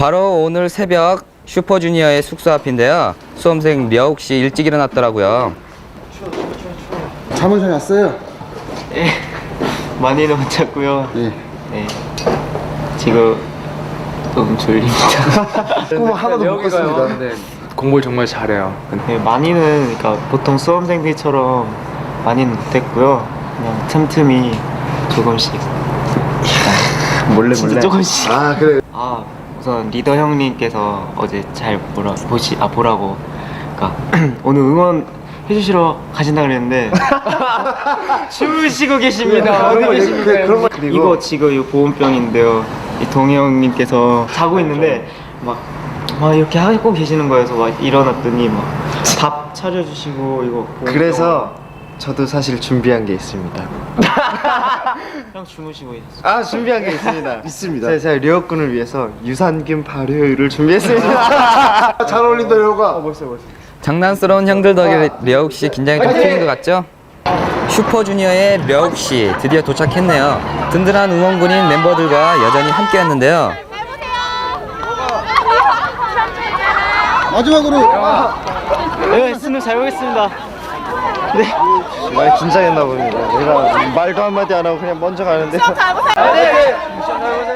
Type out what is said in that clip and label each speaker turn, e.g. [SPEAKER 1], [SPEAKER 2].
[SPEAKER 1] 바로 오늘 새벽 슈퍼주니어의 숙소 앞인데요. 수험생 려욱 씨 일찍 일어났더라고요.
[SPEAKER 2] 잠은 잘 잤어요?
[SPEAKER 3] 예, 많이는 못 잤고요.
[SPEAKER 2] 예.
[SPEAKER 3] 네, 지금 좀 졸립니다.
[SPEAKER 2] 꿈 하나도 못 꿨습니다.
[SPEAKER 4] 네, 공부를 정말 잘해요.
[SPEAKER 3] 네, 많이는 그러니까 보통 수험생들처럼 많이는 못했고요. 그냥 틈틈이 조금씩.
[SPEAKER 2] 몰래
[SPEAKER 3] 진짜 조금씩.
[SPEAKER 2] 아 그래.
[SPEAKER 3] 우선 리더 형님께서 어제 잘 보라고. 그러니까 오늘 응원 해주시러 가신다 그랬는데 주무시고 계십니다. 어디 계십니까? 이거 지금 이 보온병인데요. 이 동해 형님께서 자고 있는데 막 이렇게 하고 계시는 거여서 막 일어났더니 막 밥 차려주시고 이거 보온병.
[SPEAKER 5] 그래서 저도 사실 준비한 게 있습니다.
[SPEAKER 3] 형 주무시고 있었어요.
[SPEAKER 5] 아 준비한 게 있습니다.
[SPEAKER 2] 있습니다.
[SPEAKER 5] 제가 려욱군을 위해서 유산균 발효율을 준비했습니다.
[SPEAKER 2] 잘 어울린다 여우가.
[SPEAKER 5] 벌써.
[SPEAKER 1] 장난스러운 형들 덕에 려욱 씨 긴장이 좀 풀린 것 같죠? 슈퍼주니어의 려욱 씨 드디어 도착했네요. 든든한 응원군인 멤버들과 여전히 함께했는데요.
[SPEAKER 2] 마지막으로
[SPEAKER 3] 네, 수능 잘 보겠습니다.
[SPEAKER 5] 많이 긴장했나 봅니다. 내가 말도 한마디 안 하고 그냥 먼저 가는데.
[SPEAKER 6] 시험 잘 보세요.
[SPEAKER 3] 네.